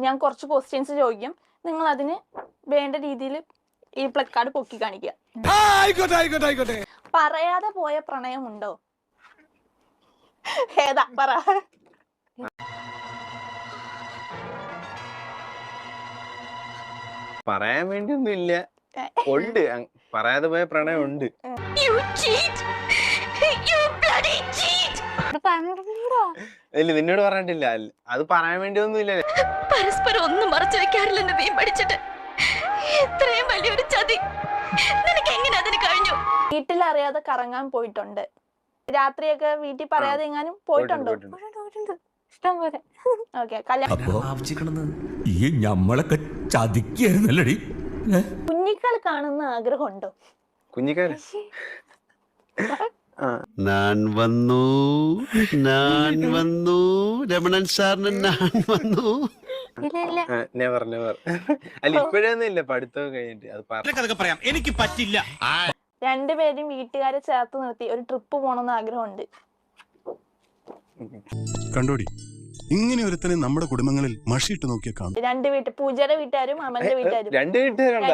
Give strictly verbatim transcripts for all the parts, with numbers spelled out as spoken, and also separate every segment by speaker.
Speaker 1: ഞാൻ കുറച്ച് ക്വസ്റ്റ്യൻസ് ചോദിക്കും, നിങ്ങൾ അതിന് വേണ്ട രീതിയിൽ ഈ പ്ലക്കാർഡ് പൊക്കി കാണിക്കുക. പറയാതെ പോയ പ്രണയമുണ്ടോ? ഏതാ പറ.
Speaker 2: പറയാൻ വേണ്ടിയൊന്നും ഇല്ല, ഉണ്ട്. പറയാതെ പോയ പ്രണയം ഉണ്ട്. ഇല്ല, നിന്നോട് പറഞ്ഞിട്ടില്ല. അത് പറയാൻ വേണ്ടിയൊന്നും ഇല്ല.
Speaker 3: പരസ്പരം ഒന്നും മറച്ചു വെക്കാറില്ല നീ പഠിച്ചിട്ട്. ഇത്രയും വലിയൊരു ചതി നിനക്ക് എങ്ങനെ അതിന് കഴിഞ്ഞു?
Speaker 1: വീട്ടിലറിയാതെ കറങ്ങാൻ പോയിട്ടുണ്ട്. രാത്രിയൊക്കെ വീട്ടിൽ പറയാതെ എങ്ങാനും പോയിട്ടുണ്ടോ? ഇഷ്ടം പോലെ. ഓക്കെ,
Speaker 4: നമ്മളൊക്കെ ചതിക്കായിരുന്നല്ലടി.
Speaker 1: കുഞ്ഞിക്കാൽ കാണുന്ന ആഗ്രഹമുണ്ടോ?
Speaker 2: കുഞ്ഞിക്കാൽ
Speaker 5: ഞാൻ വന്നു ഞാൻ വന്നു രമണൻ സാറിന് ഞാൻ വന്നു.
Speaker 2: Never never. അല്ല, ഇപ്പോഴൊന്നും ഇല്ല, പഠിത്തം കഴിഞ്ഞിട്ട്. അത്
Speaker 4: പറയാം, എനിക്ക് പറ്റില്ല.
Speaker 1: രണ്ടുപേരും വീട്ടുകാരെ ചേർത്ത് നിർത്തി ഒരു ട്രിപ്പ് പോകണമെന്ന് ആഗ്രഹമുണ്ട്.
Speaker 6: കണ്ടോടി, ഇങ്ങനെ ഒരുത്തനെ നമ്മുടെ കുടുംബങ്ങളിൽ മഷിയിട്ട് നോക്കിയാ കാണും.
Speaker 1: രണ്ട് വീട്ട് പൂജയുടെ വീട്ടുകാരും അമന്റെ വീട്ടുകാരും.
Speaker 2: രണ്ട് വീട്ടുകാരുണ്ടോ?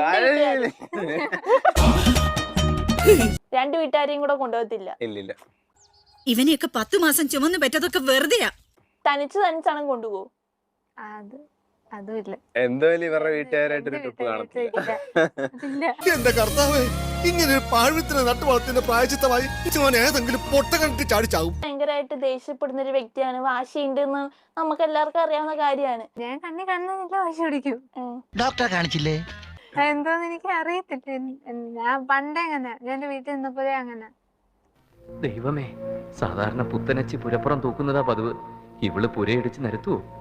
Speaker 1: രണ്ട് വീട്ടുകാരെയും കൂടെ കൊണ്ടുപോകത്തില്ല.
Speaker 2: ഇല്ലില്ല.
Speaker 3: ഇവനെയൊക്കെ പത്തു മാസം ചുമന്ന് പറ്റതൊക്കെ വെറുതെയാ.
Speaker 1: തനിച്ച് തനിച്ചാണ് കൊണ്ടുപോകും.
Speaker 7: അത് അതുമില്ല.
Speaker 2: എന്തായാലും ഇവരുടെ വീട്ടുകാരായിട്ടൊരു ട്രിപ്പ് കാണത്തില്ല.
Speaker 6: എന്റെ കർത്താവേ, ഇങ്ങനെ പാഴ്വിത്തിന് നട്ടുവളത്തിന്റെ പ്രായച്ചിത്തമായി ഏതെങ്കിലും പൊട്ട കണ്ടിട്ട് ചാടിച്ചാവും.
Speaker 1: ഭയങ്കരമായിട്ട് ദേഷ്യപ്പെടുന്ന ഒരു വ്യക്തിയാണ്. വാശിയുണ്ടെന്ന് നമുക്ക് എല്ലാവർക്കും അറിയാവുന്ന കാര്യമാണ്.
Speaker 7: ഞാൻ കണ്ണി കണ്ണില്ല വാശി പിടിക്കും.
Speaker 8: ഡോക്ടറെ കാണിച്ചില്ലേ?
Speaker 7: എന്തോന്ന് എനിക്ക് അറിയത്തില്ല. ഞാൻ പണ്ടേ അങ്ങനെ, എന്റെ വീട്ടിൽ നിന്നപ്പോഴേ അങ്ങനെ.
Speaker 9: ദൈവമേ, സാധാരണ പുത്തനച്ചി പുരപ്പുറം തൂക്കുന്നതാ പതിവ്. ഇവള് പുരയിടിച്ച് നിരത്തുവോ?